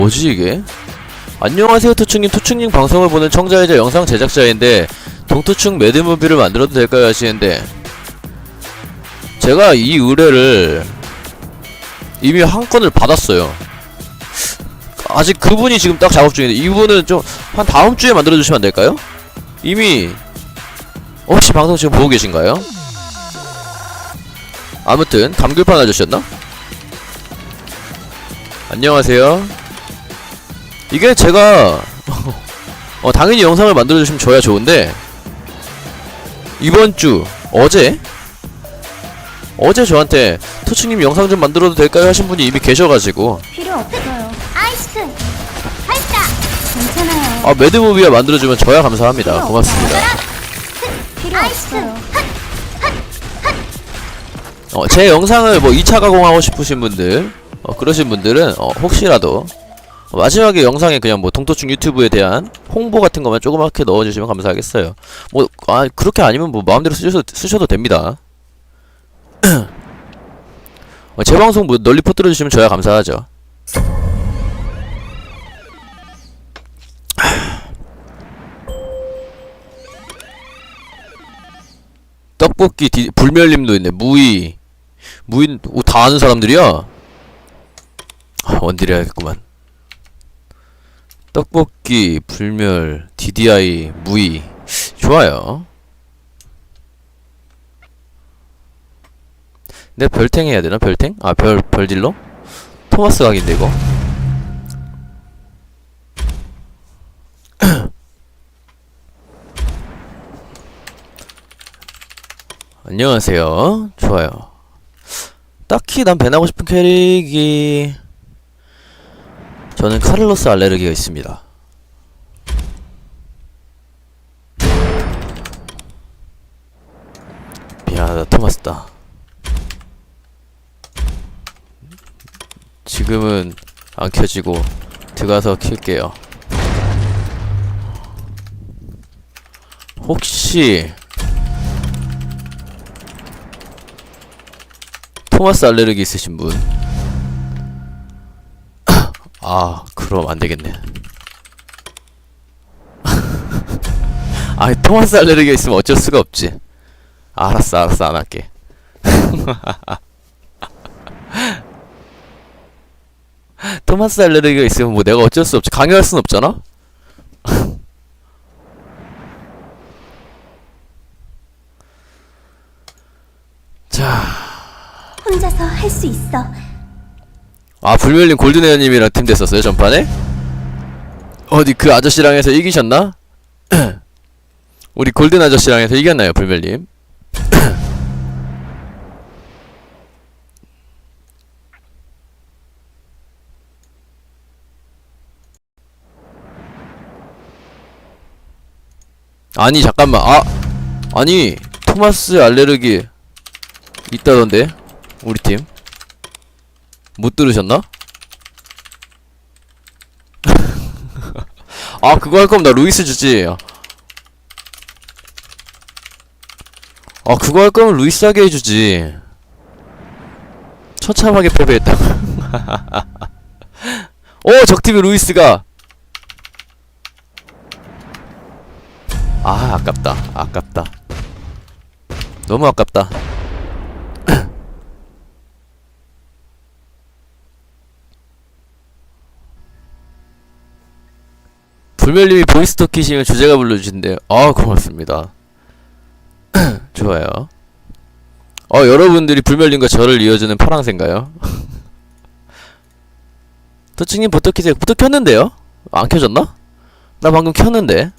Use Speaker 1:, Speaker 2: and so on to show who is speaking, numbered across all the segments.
Speaker 1: 뭐지 이게? 안녕하세요 투충님. 투충님 방송을 보는 청자이자 영상 제작자인데 동투충 매드무비를 만들어도 될까요 하시는데, 제가 이 의뢰를 이미 한 건을 받았어요. 아직 그분이 지금 딱 작업 중인데, 이분은 좀 한 다음 주에 만들어 주시면 안 될까요? 이미 혹시 방송 지금 보고 계신가요? 아무튼 감귤판 아저씨였나? 안녕하세요. 이게 제가 당연히 영상을 만들어주시면 저야 좋은데, 이번주 어제 저한테 투충님 영상 좀 만들어도 될까요 하신 분이 이미 계셔가지고.
Speaker 2: 필요 없어요. 아이스 발사. 괜찮아요.
Speaker 1: 매드무비가 만들어주면 저야 감사합니다. 고맙습니다.
Speaker 2: 필요 없어요.
Speaker 1: 제 영상을 뭐 2차 가공하고 싶으신 분들, 그러신 분들은 혹시라도 마지막에 영상에 그냥 뭐 동토충 유튜브에 대한 홍보 같은 것만 조그맣게 넣어주시면 감사하겠어요. 뭐 그렇게 아니면 뭐 마음대로 쓰셔도 됩니다. 제 방송 뭐 널리 퍼뜨려주시면 저야 감사하죠. 떡볶이 불멸님도 있네. 무이 다 아는 사람들이야. 원딜 해야겠구만. 떡볶이, 불멸, DDI, 무이. 좋아요. 내 별탱 해야 되나? 별탱? 별딜러? 토마스 각인데 이거. 안녕하세요. 좋아요. 딱히 난 밴하고 싶은 캐릭이, 저는 카를로스 알레르기가 있습니다. 미안하다 토마스다. 지금은 안 켜지고 들어가서 킬게요. 혹시 토마스 알레르기 있으신 분? 그럼 안 되겠네. 토마스 알레르기가 있으면 어쩔 수가 없지. 알았어, 안 할게. 토마스 알레르기가 있으면 뭐 내가 어쩔 수 없지. 강요할 순 없잖아? 자.
Speaker 2: 혼자서 할 수 있어.
Speaker 1: 불멸님 골든에어님이랑 팀 됐었어요, 전판에? 어디 그 아저씨랑 해서 이기셨나? 우리 골든 아저씨랑 해서 이겼나요, 불멸님? 아니 잠깐만. 아니 토마스 알레르기 있다던데 우리 팀 못 들으셨나? 그거 할 거면 나 루이스 주지. 그거 할 거면 루이스 하게 해주지. 처참하게 패배했다. 적팀의 루이스가. 아깝다. 너무 아깝다. 불멸님이 보이스톡 키시면 주제가 불러주신대요. 고맙습니다. 좋아요. 여러분들이 불멸님과 저를 이어주는 파랑새인가요? 도치님 보톡 키세요. 보톡 켰는데요? 안 켜졌나? 나 방금 켰는데.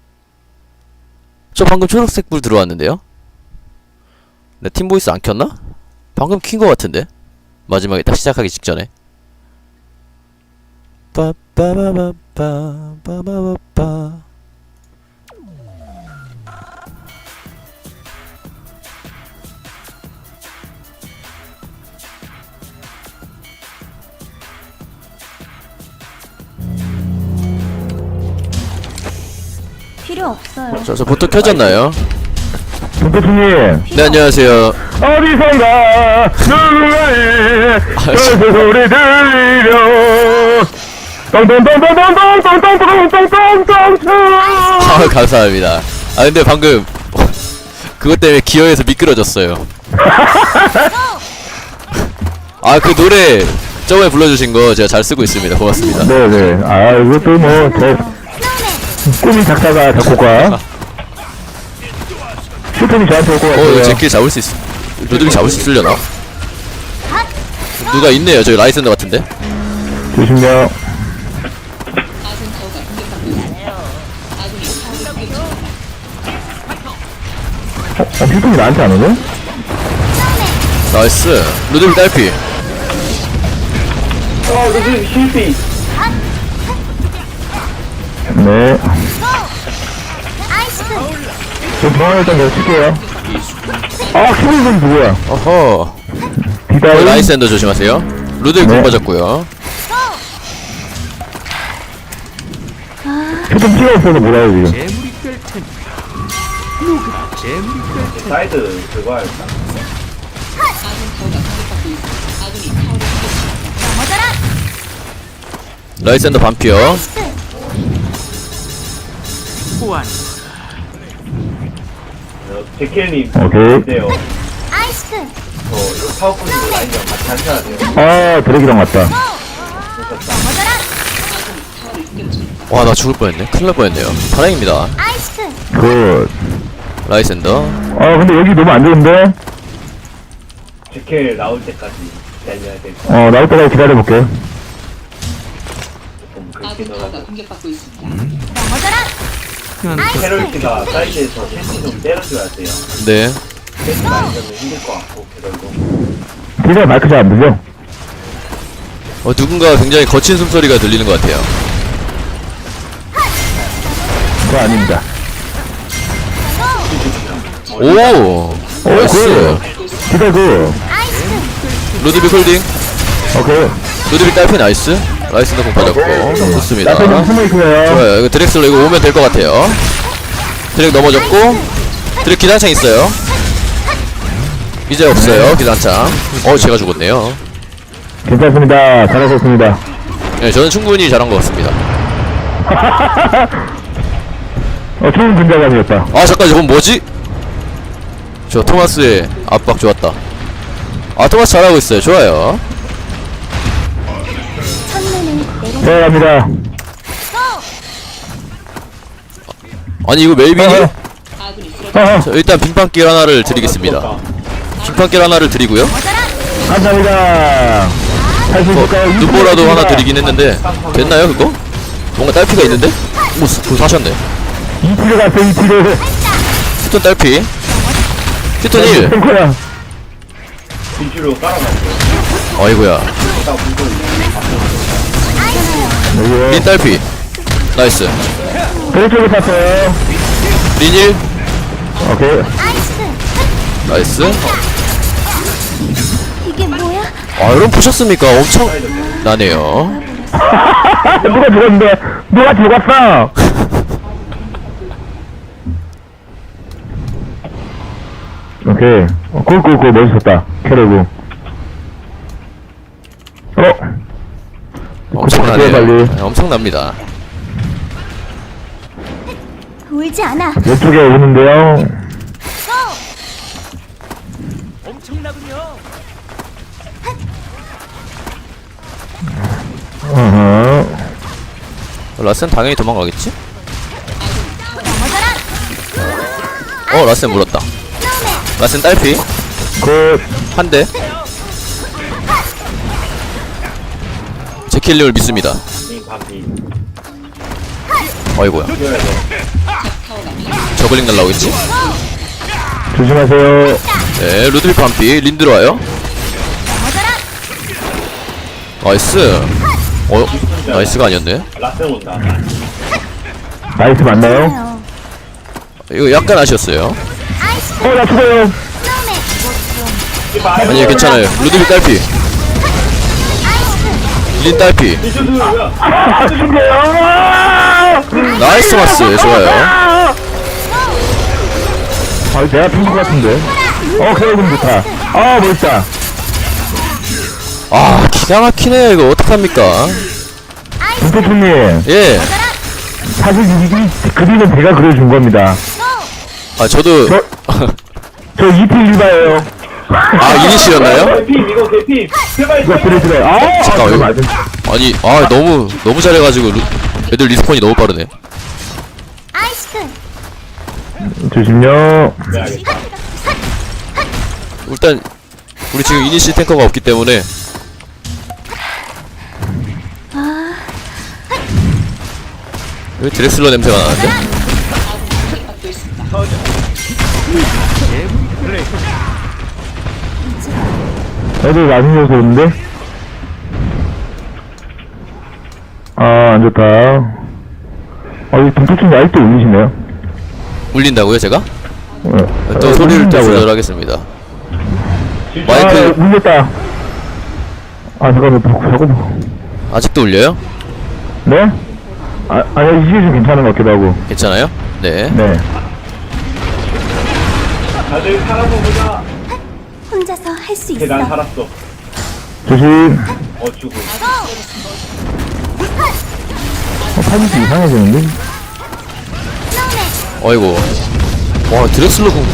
Speaker 1: 저 방금 초록색 불 들어왔는데요? 내 팀보이스 안 켰나? 방금 킨 거 같은데? 마지막에 딱 시작하기 직전에. 빠빠바바빠빠바바빠.
Speaker 2: 필요 없어요.
Speaker 1: 저 보톡 켜졌나요?
Speaker 3: 동태충님
Speaker 1: 네, 안녕하세요.
Speaker 3: 어디선가 누군가의 저 소리 들리려 똥똥똥똥똥똥똥똥똥똥똥똥똥.
Speaker 1: 아, 감사합니다. 아, 근데 방금 그것 때문에 기어에서 미끄러졌어요. 아, 그 노래 저번에 불러주신 거 제가 잘 쓰고 있습니다. 고맙습니다.
Speaker 3: 네네. 아, 이것도 뭐, 제, 꿈이 작다가 작곡가. 슈팅이 저한테 올 것 같아요.
Speaker 1: 이거 제끼리 잡을 수 있어. 루드빅 잡을 수 있으려나? 누가 있네요. 저기 라이센더 같은데.
Speaker 3: 조심요. 슈팅이 나한테 안 오네?
Speaker 1: 나이스. 루드빅 딸피.
Speaker 3: 네.
Speaker 2: 아이스크.
Speaker 3: 저 중앙에 일단 계속 칠게요. 아, 슈팅은 누구야?
Speaker 1: 어허.
Speaker 3: 디다이.
Speaker 1: 라이센더 조심하세요. 루드빅
Speaker 3: 네.
Speaker 1: 공 빠졌고요.
Speaker 3: 슈팅 찍어있어서 뭐라고 지금.
Speaker 4: 사이드 그거 할까?
Speaker 1: 라이센더 반피어.
Speaker 4: 제켈님
Speaker 3: 오케이.
Speaker 4: 어때요?
Speaker 2: 아이스크.
Speaker 4: 이거 파워포인트 라인이랑 같이 하셔야 돼요.
Speaker 3: 아, 드래기랑 왔다.
Speaker 1: 와, 나 죽을 뻔했네. 큰일 날 뻔했네요. 다행입니다.
Speaker 2: 아이스크.
Speaker 3: 굿.
Speaker 1: 라이센더.
Speaker 3: 아, 근데 여기 너무 안 좋은데?
Speaker 4: 제켈 나올 때까지 기다려야 될 거.
Speaker 3: 나올 때까지 기다려볼게.
Speaker 4: 좀 그렇게 넣어서
Speaker 5: 공격받고 있습니다.
Speaker 4: 페널티가 사이드에서 캔디 좀 때려줘야 돼요.
Speaker 1: 네.
Speaker 4: 캔디 많이 넣으면 힘들 것 같고 그래도
Speaker 3: 디다이 마이크 잘 안 들려?
Speaker 1: 누군가 굉장히 거친 숨소리가 들리는 것 같아요.
Speaker 3: 그거 아닙니다.
Speaker 1: 오! 나이스.
Speaker 3: 디다이 굿.
Speaker 1: 루드빅 홀딩.
Speaker 3: 오케이.
Speaker 1: 루드빅 딸피 나이스. 라이센더 공 빠졌고. 좋습니다.
Speaker 3: 나한테 좀 숨어있어요.
Speaker 1: 좋아요. 이거 드렉슬러 이거 오면 될 것 같아요. 드렉 넘어졌고. 드렉 기관창 있어요. 이제 없어요. 기관창. 제가 죽었네요.
Speaker 3: 괜찮습니다. 잘하셨습니다.
Speaker 1: 네, 저는 충분히 잘한 것 같습니다.
Speaker 3: 좋은 분자감이었다.
Speaker 1: 아, 잠깐, 저건 뭐지? 저 토마스의 압박 좋았다. 아, 토마스 잘하고 있어요. 좋아요.
Speaker 2: 첫눈은 내려.
Speaker 3: 네, 갑니다.
Speaker 1: 아니, 이거 멜빈이?
Speaker 3: 어,
Speaker 1: 자, 일단 빙판길 하나를 드리겠습니다. 빙판길 하나를 드리고요.
Speaker 3: 감사합니다. 할 수 있을까요?
Speaker 1: 눈보라도 하나 드리긴 했는데 됐나요 그거? 뭔가 딸피가 있는데? 오, 그거 사셨네.
Speaker 3: 2티를 갔어, 2티를.
Speaker 1: 휴톤 딸피. 휴톤 1.
Speaker 3: 탱커야.
Speaker 4: 뒤로 깔아놨어요.
Speaker 1: 어이구야.
Speaker 4: 딱 무슨
Speaker 3: 여기요.
Speaker 1: 린 딸피. 나이스.
Speaker 3: 그쪽에 탔어요.
Speaker 1: 린 1.
Speaker 3: 오케이.
Speaker 1: 나이스.
Speaker 2: 이게 뭐야?
Speaker 1: 여러분 보셨습니까? 엄청 나네요.
Speaker 3: 누가 죽었는데? 누가 죽었어? 오케이. 꿀꿀꿀 멋있었다. 캐러고.
Speaker 1: 엄청나네요.
Speaker 3: 빨리.
Speaker 1: 네, 엄청납니다.
Speaker 2: 울지 않아.
Speaker 3: 왼쪽에 오는데요. 어허.
Speaker 1: 라센 당연히 도망가겠지? 라센 물었다. 라센 딸피.
Speaker 3: 굿.
Speaker 1: 한 대. 제킬님을 믿습니다.
Speaker 4: 이 바퀴
Speaker 1: 어이구야.
Speaker 4: 뛰어야 돼.
Speaker 1: 저글링 날라오겠지?
Speaker 3: 조심하세요.
Speaker 1: 네, 루드빅 반피. 린 들어와요. 나이스. 나이스가 아니었네.
Speaker 4: 라센 온다.
Speaker 3: 나이스 맞나요?
Speaker 2: 요
Speaker 1: 이거 약간 아쉬웠어요.
Speaker 3: 나 죽어요.
Speaker 1: 아니, 괜찮아요. 루드빅 딸피. 린 딸피.
Speaker 3: 죽어요.
Speaker 1: 나이스 마스. 좋아요.
Speaker 3: 내가 핀것 같은데. 그래도 좋다. 멋있다.
Speaker 1: 기가 막히네요. 이거 어떡합니까?
Speaker 3: 김태춘님,
Speaker 1: 예.
Speaker 3: 사실 이 그림은 제가 그려준 겁니다.
Speaker 1: 아 저도
Speaker 3: 저 2필 1바예요.
Speaker 1: 아 이니시였나요?
Speaker 4: 개피 이거 개피 제발
Speaker 3: 이거 그래. 아,
Speaker 1: 잠깐만, 이거-
Speaker 3: 맞은.
Speaker 1: 아니 너무 잘해가지고 애들 리스폰이 너무 빠르네.
Speaker 2: 아이스크.
Speaker 3: 조심요.
Speaker 4: 네 알겠다.
Speaker 1: 일단 우리 지금 이니시 탱커가 없기 때문에 왜 드렉슬러 냄새가 나는데?
Speaker 3: 애들 많이 줘서 오는데? 아, 안 좋다. 이 동태춘 아직도 울리시네요.
Speaker 1: 울린다고요 제가?
Speaker 3: 네.
Speaker 1: 또 소리를 또
Speaker 3: 울린다고요.
Speaker 1: 조절하겠습니다.
Speaker 3: 아,
Speaker 1: 마이크
Speaker 3: 울렸다. 아, 잠깐만, 자꾸.
Speaker 1: 아직도 울려요?
Speaker 3: 네? 아니, 이게 좀 괜찮은 것 같기도 하고.
Speaker 1: 괜찮아요? 네.
Speaker 3: 네.
Speaker 4: 다들 살아보자.
Speaker 2: 혼자서 할 수 있어.
Speaker 4: 난 살았어.
Speaker 3: 조심.
Speaker 4: 죽어.
Speaker 3: 파이팅 이상해지는데?
Speaker 1: 어이구. 와 드렉슬러 궁.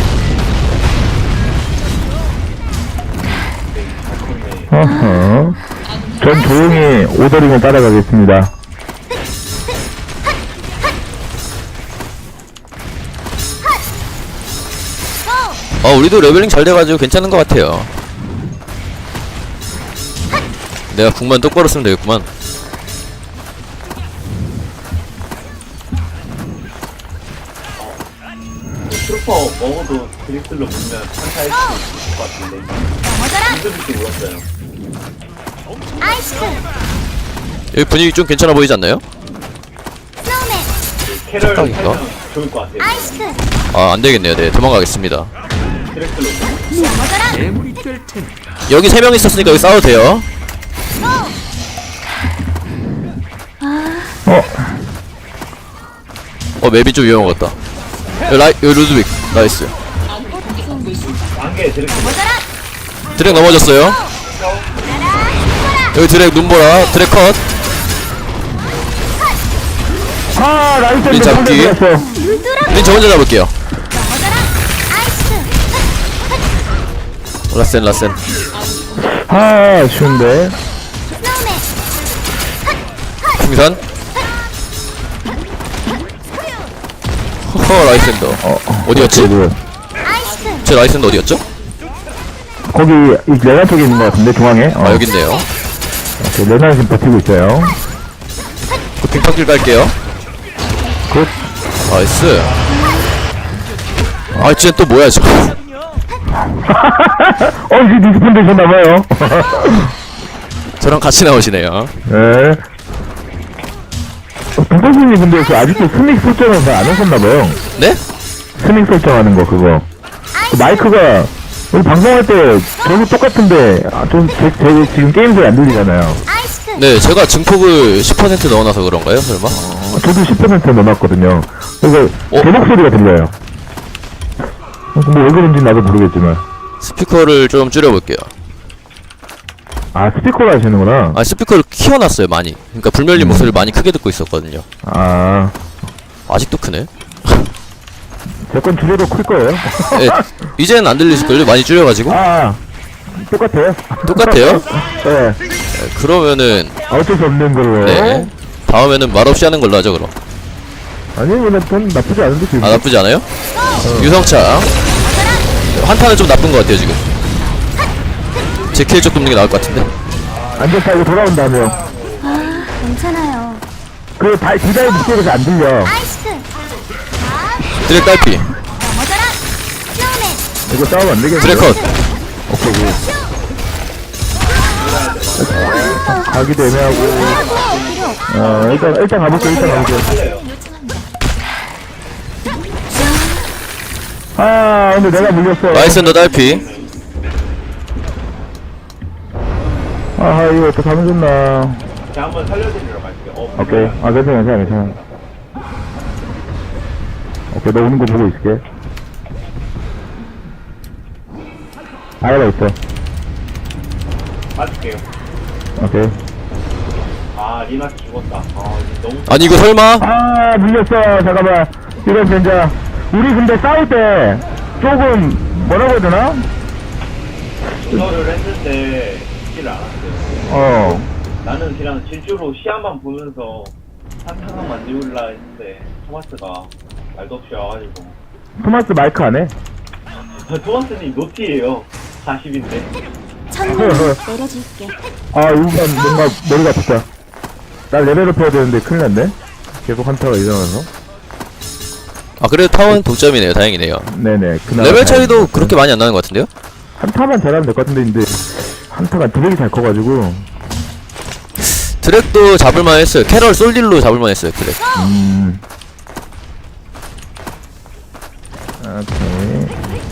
Speaker 3: 어허. 전 조용히 오더링을 따라가겠습니다.
Speaker 1: 우리도 레벨링 잘 돼가지고 괜찮은 것 같아요. 내가 궁만 똑바로 쓰면 되겠구만.
Speaker 4: 트루퍼 먹어도 드릭슬로 보면 한타할 수 있을 것 같은데. 힘들지 몰랐어요.
Speaker 2: 아이스크.
Speaker 1: 여기 분위기 좀 괜찮아 보이지 않나요?
Speaker 2: 스노우맨.
Speaker 4: 캐럴
Speaker 1: 착각인가?
Speaker 4: 살면 좋을 것 같아요.
Speaker 2: 아이스크.
Speaker 1: 아 안되겠네요. 네 도망가겠습니다.
Speaker 4: 드릭슬로.
Speaker 1: 여기 3명 있었으니까 여기 싸워도 돼요. 맵이 좀 위험한 것 같다. 여기 루드윅 나이스.
Speaker 4: 안개 드릭슬로.
Speaker 1: 드랙 넘어졌어요. 여기 드랙 눈보라 드랙 컷.
Speaker 3: 아, 나이스.
Speaker 1: 이 잡기. 린 저 혼자 잡을게요.
Speaker 2: 아이스크.
Speaker 1: 라센
Speaker 3: 아, 쉬운데.
Speaker 2: 스노우맨.
Speaker 1: 풍선. 허허 라이센더. 어디였지?
Speaker 2: 아이스크.
Speaker 1: 제 라이센더 어디였죠?
Speaker 3: 거기, 이 레나 쪽에 있는 것 같은데, 중앙에.
Speaker 1: 아 여기 있네요.
Speaker 3: 레나 지금 버티고 있어요.
Speaker 1: 그 빙판길 갈게요.
Speaker 3: 굿.
Speaker 1: 나이스. 아 쟤 또 뭐야 저.
Speaker 3: 이제 리스폰 되셨나봐요.
Speaker 1: 저랑 같이 나오시네요.
Speaker 3: 네. 동선생님 근데 그 아직도 스믹 설정은 잘 안 하셨나봐요.
Speaker 1: 네?
Speaker 3: 스믹 설정하는 거 그거. 그 마이크가 우리 방송할 때 저도 똑같은데 제 지금 게임 소리 안 들리잖아요.
Speaker 2: 아이스크.
Speaker 1: 네 제가 증폭을 10% 넣어놔서 그런가요 설마?
Speaker 3: 저도 10% 넣어놨거든요. 그래서 제 목소리가 들려요. 뭐 왜 그런지 나도 모르겠지만.
Speaker 1: 스피커를 좀 줄여볼게요.
Speaker 3: 아, 스피커로 하시는구나.
Speaker 1: 아 스피커를 키워놨어요 많이. 그러니까 불멸님 목소리를 많이 크게 듣고 있었거든요.
Speaker 3: 아,
Speaker 1: 아직도 크네.
Speaker 3: 제 건 줄여도 클 거예요.
Speaker 1: 네, 이제는 안 들리실걸요? 많이 줄여가지고.
Speaker 3: 아, 똑같아요.
Speaker 1: 똑같아요?
Speaker 3: 네.
Speaker 1: 네, 그러면은
Speaker 3: 어쩔 수 없는 걸로.
Speaker 1: 네 다음에는 말없이 하는 걸로 하죠 그럼.
Speaker 3: 아니, 전 나쁘지 않은데, 지금.
Speaker 1: 아 나쁘지 않아요? 유성차 한타는 좀 나쁜 것 같아요 지금. 제 킬 쪽 돕는 게 나을 것 같은데.
Speaker 3: 안전타고 돌아온다며.
Speaker 2: 괜찮아요.
Speaker 3: 그, 디다의 목소리가 안 들려.
Speaker 2: 아이스크.
Speaker 1: 드랙 딸피
Speaker 2: 스노우맨.
Speaker 3: 이거 싸우면 안 되겠네.
Speaker 1: 드랙 컷.
Speaker 3: 오케이, 굿. 가기도 애매하고. 일단 가볼게. 아, 근데 내가 물렸어.
Speaker 1: 라이센더 딸피.
Speaker 3: 아, 이거 어떻게 하면 좋나.
Speaker 4: 제가 한번 살려드리러 갈게요.
Speaker 3: 오케이. 아, 괜찮아. 오케이, 너 오는 거 보고 있을게. 아이가 있어.
Speaker 4: 맞을게요.
Speaker 3: 오케이.
Speaker 4: 아 리나 죽었다. 아 이거 너무.
Speaker 1: 아니 이거 설마?
Speaker 3: 아, 물렸어. 잠깐만. 이런 젠자. 우리 근데 싸울 때 조금 뭐라고 해야 되나?
Speaker 4: 이거를 했을 때 죽지를 않았어요.
Speaker 3: 어.
Speaker 4: 나는 그냥 질주로 시야만 보면서 한타만 만들라 했는데 토마스가 말도 없이 와가지고.
Speaker 3: 토마스 마이크 안 해?
Speaker 4: 토마스님 노티예요. 40인데.
Speaker 2: 천문 내려줄게.
Speaker 3: 아, 이건 뭔가 머리가 아프다. 나 레벨업 해야 되는데 큰일 났네. 계속 한타가 일어나서.
Speaker 1: 아 그래도 타원 동점이네요. 다행이네요.
Speaker 3: 네네. 그나마
Speaker 1: 레벨 차이도
Speaker 3: 다행이다.
Speaker 1: 그렇게 많이 안 나는 것 같은데요?
Speaker 3: 한타만 잘하면 될 것 같은데, 근데 한타가 드랙이 잘 커가지고.
Speaker 1: 드랙도 잡을만 했어요. 캐럴 솔딜로 잡을만 했어요. 드랙.
Speaker 3: 오케이.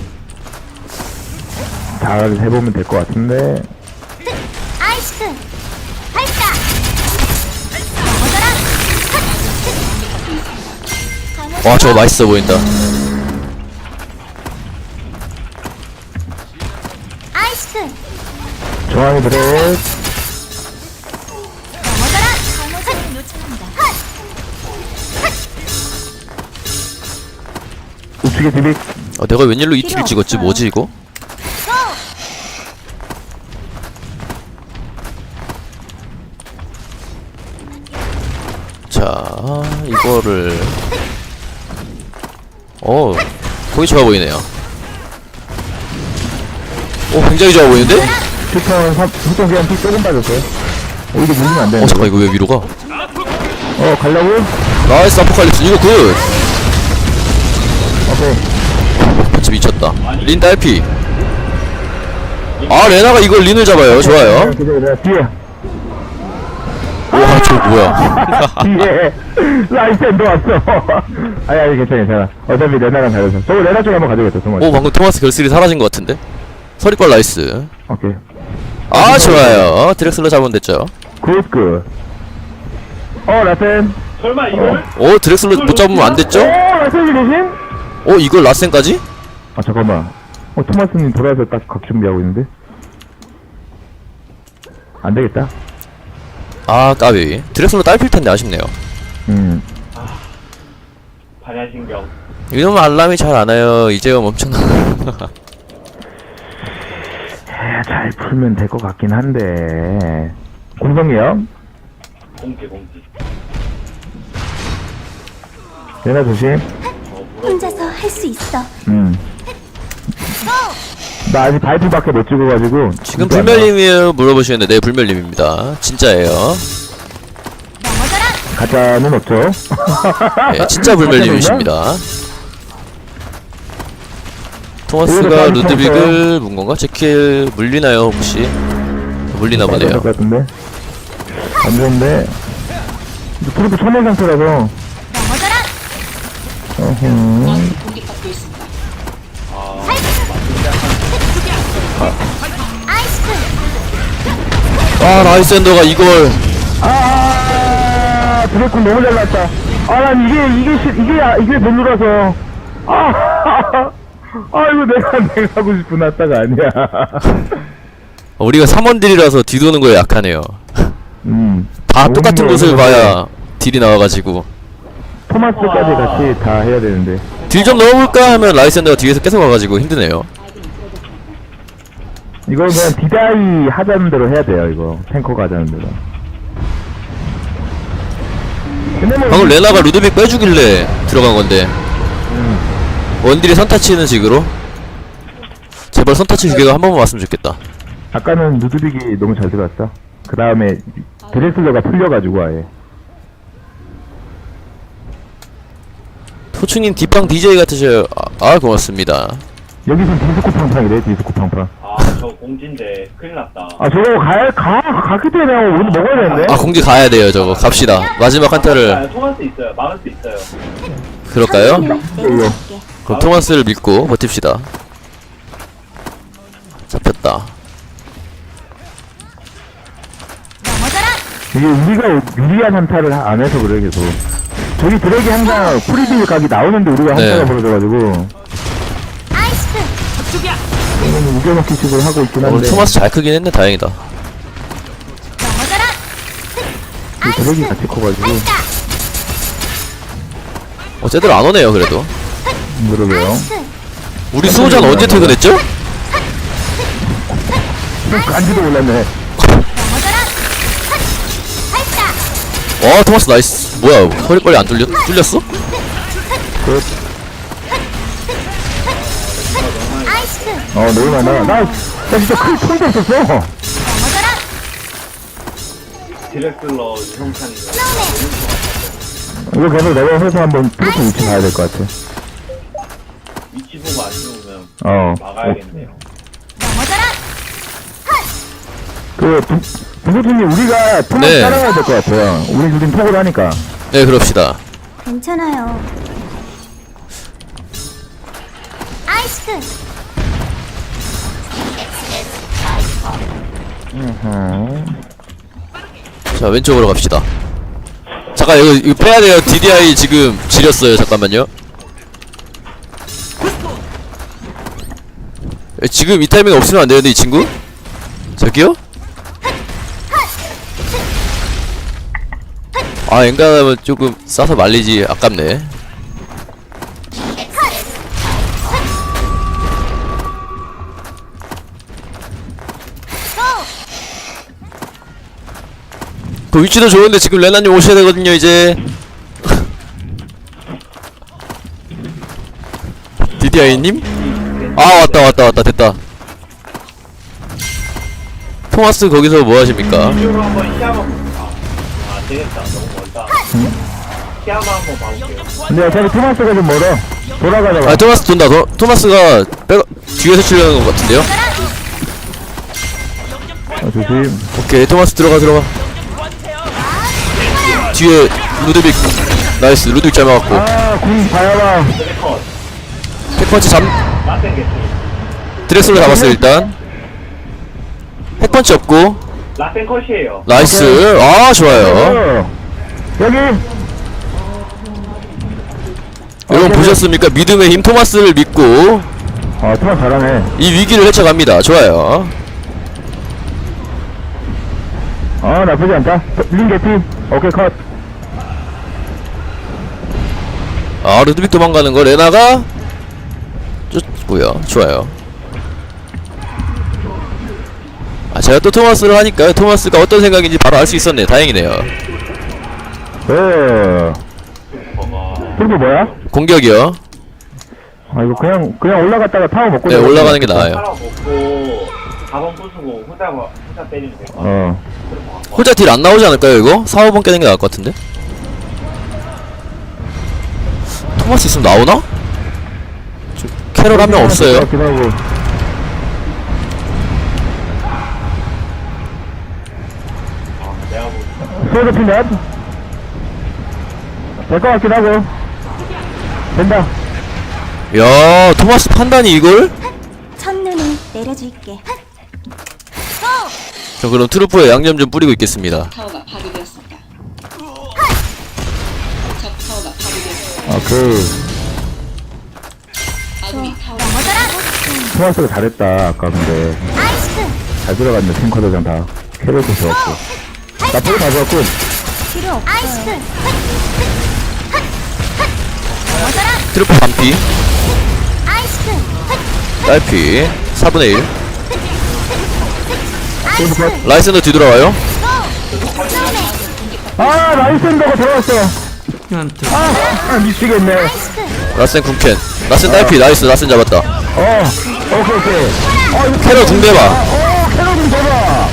Speaker 3: 잘 해보면 될 것 같은데.
Speaker 2: 아이스크. 발사. 넘어져라.
Speaker 1: 와 저거 맛있어 보인다.
Speaker 2: 아이스크.
Speaker 3: 중앙에 드랙.
Speaker 2: 넘어져라. 잘못은 요청합니다.
Speaker 3: 우측에 디빅.
Speaker 1: 내가 웬일로 이 TV 찍었지? 뭐지 이거? 자 이거를 거기 좋아 보이네요. 굉장히 좋아 보이는데?
Speaker 3: 휴턴 그냥 피 조금 빠졌어요. 이게 물리면 안 되는데.
Speaker 1: 잠깐 이거 왜 위로 가?
Speaker 3: 가려고?
Speaker 1: 나이스 아포칼립스 이거 굿!
Speaker 3: 오케이.
Speaker 1: 펀치 미쳤다. 린 딸피. 아 레나가 이걸 린을 잡아요. 좋아요.
Speaker 3: 기다려, 뒤에.
Speaker 1: 와 저거 뭐야?
Speaker 3: 뒤에. 라이센도 왔어. 아니, 괜찮아. 어차피 레나랑 다르서. 저거 레나 쪽에 한번 가져겠다, 정말.
Speaker 1: 방금 토마스 결슬이 사라진 것 같은데? 서리빨 나이스.
Speaker 3: 오케이.
Speaker 1: 아 좋아요. 드렉슬러 잡으면 됐죠.
Speaker 3: 굿. 라센.
Speaker 4: 설마 이걸?
Speaker 1: 드렉슬러 못 잡으면 안 됐죠?
Speaker 3: 라센이 대신?
Speaker 1: 이걸 라센까지?
Speaker 3: 아, 잠깐만. 토마스님 돌아와서 딱 각 준비하고 있는데? 안 되겠다.
Speaker 1: 아 까비. 드렉슬러 딸필 텐데 아쉽네요.
Speaker 4: 반야신경.
Speaker 1: 이놈 알람이 잘 안 와요. 이제요 엄청나.
Speaker 3: 잘 풀면 될 것 같긴 한데. 공성이요?
Speaker 4: 공지.
Speaker 3: 레나 조심.
Speaker 2: 혼자서 할 수 있어.
Speaker 3: 나 아직 바이프밖에 못 찍어가지고.
Speaker 1: 지금 불멸님이에요 물어보시는데 네 불멸님입니다. 진짜예요.
Speaker 2: 넘어져라.
Speaker 3: 가짜는 없죠.
Speaker 1: 네, 진짜 불멸님이십니다. 토마스가 루드빅을 문 건가? 제킬 물리나요 혹시? 물리나 보네요.
Speaker 3: 것 같은데. 안 좋은데. 트루프 처음 상태라서.
Speaker 2: 넘어져라. 아이스크.
Speaker 1: 아 라이센더가 이걸.
Speaker 3: 드래곤 너무 잘났다. 난 이게 못 눌러서. 이거 내가 하고 싶은 아따가 아니야.
Speaker 1: 우리가 3원딜이라서 뒤도는 거에 약하네요. 다 똑같은 곳을 봐야 딜이 나와가지고
Speaker 3: 토마스까지 같이 다 해야 되는데.
Speaker 1: 딜 좀 넣어볼까 하면 라이센더가 뒤에서 계속 와가지고 힘드네요.
Speaker 3: 이거 그냥 디다이 하자는 대로 해야 돼요, 이거. 탱커가 하자는 대로. 근데 뭐.
Speaker 1: 방금 레나가 루드빅 빼주길래 들어간 건데 원딜이 선타치는 식으로 제발 선타치 기계가 한 번만 왔으면 좋겠다.
Speaker 3: 아까는 누드빅이 너무 잘 들어갔어. 그 다음에 드레슬러가 풀려가지고 아예.
Speaker 1: 토충님 뒷방 DJ 같으셔요. 고맙습니다.
Speaker 3: 여기선 디스코 팡팡이래, 디스코 팡팡.
Speaker 4: 저 공지인데 큰일 났다.
Speaker 3: 저거 가기 때문에 오늘 먹어야 되는데?
Speaker 1: 공지 가야 돼요 저거. 갑시다. 마지막 한타를.
Speaker 4: 토마스 있어요. 막을 수 있어요.
Speaker 1: 그럴까요?
Speaker 2: 내려줄게.
Speaker 1: 그럼 토마스를 믿고 버팁시다. 잡혔다.
Speaker 2: 넘어져라.
Speaker 3: 이게 우리가 유리한 한타를 안 해서 그래, 계속. 저기 드랙이 항상 프리딜 각이 나오는데 우리가
Speaker 1: 네.
Speaker 3: 한타가 벌어져가지고.
Speaker 2: 아이스크.
Speaker 3: 이거는 우겨먹기 식으로 하고 있긴
Speaker 1: 오늘
Speaker 3: 한데.
Speaker 1: 토마스 잘 크긴 했네. 다행이다.
Speaker 2: 넘어져라.
Speaker 3: 그 드랙이 같이 커가지고.
Speaker 1: 제대로 안 오네요 그래도.
Speaker 3: 그러게요.
Speaker 2: 아이스크
Speaker 1: 우리 수호자는 언제 퇴근했죠?
Speaker 3: 간지도 몰랐네.
Speaker 2: 넘어져라 발사
Speaker 1: 와 토마스 나이스. 뭐야 허리 빨리 안 뚫렸어?
Speaker 2: 아이스크
Speaker 3: 너무 많아. 나 진짜 큰 손도 없었어.
Speaker 2: 넘어져라
Speaker 4: 디렉슬러 유성찬이
Speaker 2: 스노우맨
Speaker 3: 이거 계속 내가 해서 한번 트로트 위치 봐야 될 것 같아.
Speaker 4: 위치 보고 안 죽으면 막아야겠네요.
Speaker 2: 넘어져라
Speaker 3: 부부팀이 우리가 토마스
Speaker 1: 네.
Speaker 3: 따라가야 될 것 같아요. 우리 둘이 톡을 하니까.
Speaker 1: 네 그럽시다.
Speaker 2: 괜찮아요 아이스크
Speaker 1: 자 왼쪽으로 갑시다. 잠깐 이거 빼야돼요. DDI 지금 지렸어요. 잠깐만요. 지금 이 타이밍 없으면 안 되는데 이 친구? 저기요? 아 엔간하면 조금 싸서 말리지 아깝네. 그 위치도 좋은데 지금 레나님 오셔야 되거든요 이제. DDI님? 아 왔다 됐다. 토마스 거기서 뭐 하십니까?
Speaker 4: 이쪽으로 한번 시야 한번 볼까? 되겠다. 너무 멀다. 시야만 한번 봐볼게요.
Speaker 3: 근데 어차피 토마스가 좀 멀어. 돌아가다가.
Speaker 1: 아 토마스 돈다. 토마스가 뒤에서 치려는 것 같은데요?
Speaker 3: 조심.
Speaker 1: 오케이 토마스 들어가. 뒤에 루드빅 나이스. 루드빅 잘 막았고
Speaker 3: 군 봐야봐.
Speaker 4: 드래컷.
Speaker 1: 핵펀치
Speaker 4: 라센 개피.
Speaker 1: 드렉슬로 잡았어요 일단. 핵펀치 없고
Speaker 4: 라센 컷이에요.
Speaker 1: 나이스. 아 좋아요.
Speaker 3: 여기.
Speaker 1: 여러분 보셨습니까? 믿음의 힘 토마스를 믿고
Speaker 3: 토마스 잘하네.
Speaker 1: 이 위기를 헤쳐갑니다. 좋아요.
Speaker 3: 나쁘지 않다. 린 개피. 오케이, 컷.
Speaker 1: 아 루드빅 도망가는 거 레나가 쫓고요. 좋아요. 아 제가 또 토마스를 하니까 토마스가 어떤 생각인지 바로 알 수 있었네. 다행이네요.
Speaker 3: 그리고 뭐야?
Speaker 1: 공격이요.
Speaker 3: 이거 그냥 올라갔다가 타워 먹고.
Speaker 1: 네 올라가는 게 나아요.
Speaker 4: 하나 먹고 4번 부수고 혼자 때리면 될 것 같아요.
Speaker 1: 혼자 딜 안 나오지 않을까요 이거? 4, 5번 깨는 게 나을 것 같은데? 토마스 있으면 나오나? 캐롤 한 명 없어요.
Speaker 4: 내가 뭐
Speaker 3: 소드 피넷. 될 것 같긴 하고. 된다.
Speaker 1: 야 토마스 판단이 이걸?
Speaker 2: 첫눈을 내려줄게
Speaker 1: 저 그럼 트루프에 양념 좀 뿌리고 있겠습니다.
Speaker 5: 타워가 파괴되었습니다. 적 타워가 파괴되었습니다. 아군이 타워
Speaker 2: 넘어져라
Speaker 3: 토마스가 잘했다. 아까 근데.
Speaker 2: 아이스크
Speaker 3: 잘 들어갔네. 탱커들이랑 다. 캐릭터 좋았고. 나쁘게 다 좋았고.
Speaker 2: 필요 없어요 아이스크 넘어져라
Speaker 1: 트루프 반피
Speaker 2: 아이스크
Speaker 1: 딸피 4분의 1
Speaker 2: 아이스크
Speaker 1: 라이센더 뒤돌아와요.
Speaker 3: 나이스 엔더가 들어왔어. 미치겠네.
Speaker 2: 아이스크
Speaker 1: 라센 궁캔 라센 딸피 나이스. 라센 잡았다.
Speaker 3: 오케이.
Speaker 1: 캐롤 궁대봐.
Speaker 3: 캐럿 좀 대봐.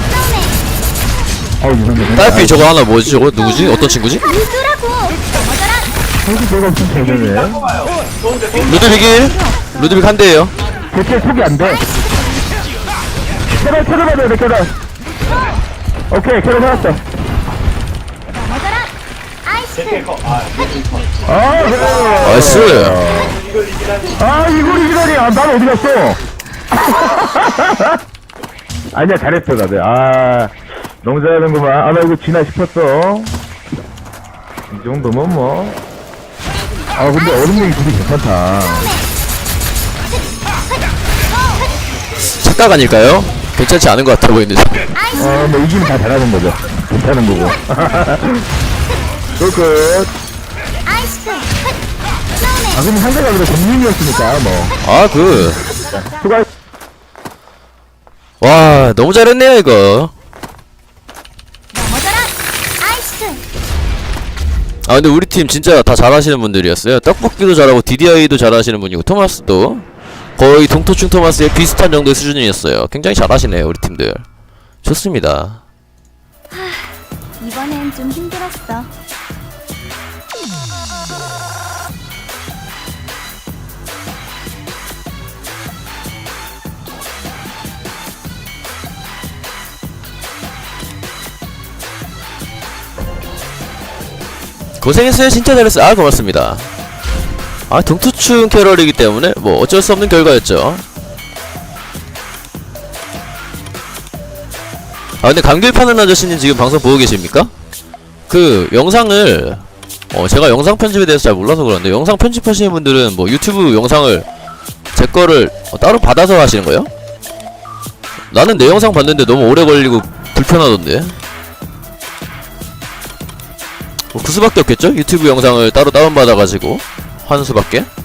Speaker 3: 이상해.
Speaker 1: 딸피 저거 하나 뭐지 저거? 누구지? 어떤 친구지?
Speaker 2: 누구라고 넘어져라
Speaker 3: 내가 없으면 되겠네.
Speaker 1: 루드빅 1 루드빅 한 대에요.
Speaker 3: 대체 속이 안 돼. 캐럿 받아야 돼, 캐럿. 오케이, 캐럿 받았어.
Speaker 2: 넘어져라 아이스크
Speaker 3: 그래.
Speaker 1: 나이스.
Speaker 3: 이걸 이기다니. 난 어디 갔어? 아니야, 잘했어, 다들. 너무 잘하는구만. 나 이거 지나 싶었어. 이 정도면 뭐. 근데 얼음냉이 둘이 괜찮다.
Speaker 1: 착각 아닐까요? 괜찮지 않은 것 같아 보이는데.
Speaker 3: 근데 이기면 다 잘하는 거죠. 괜찮은 거고. 끝.
Speaker 2: 아이스크
Speaker 3: 아, 근데 상대가 그래, 공민이었으니까, 뭐.
Speaker 1: 아,
Speaker 3: 수고
Speaker 1: 와, 너무 잘했네요, 이거.
Speaker 2: 넘어져라 아이스크
Speaker 1: 아, 근데 우리 팀 진짜 다 잘하시는 분들이었어요. 떡볶이도 잘하고, DDI도 잘하시는 분이고, 토마스도 거의 동토충 토마스의 비슷한 정도의 수준이었어요. 굉장히 잘하시네요, 우리 팀들. 좋습니다.
Speaker 2: 이번엔 좀 힘들었어.
Speaker 1: 고생했어요. 진짜 잘했어요. 아, 고맙습니다. 아, 동투충 캐럴이기 때문에 뭐 어쩔 수 없는 결과였죠. 아, 근데 감귤 파는 아저씨님 지금 방송 보고 계십니까? 그 영상을 제가 영상 편집에 대해서 잘 몰라서 그러는데, 영상 편집하시는 분들은 뭐 유튜브 영상을 제 거를 따로 받아서 하시는 거예요? 나는 내 영상 봤는데 너무 오래 걸리고 불편하던데. 뭐 그 수밖에 없겠죠? 유튜브 영상을 따로 다운받아가지고 하는 수밖에?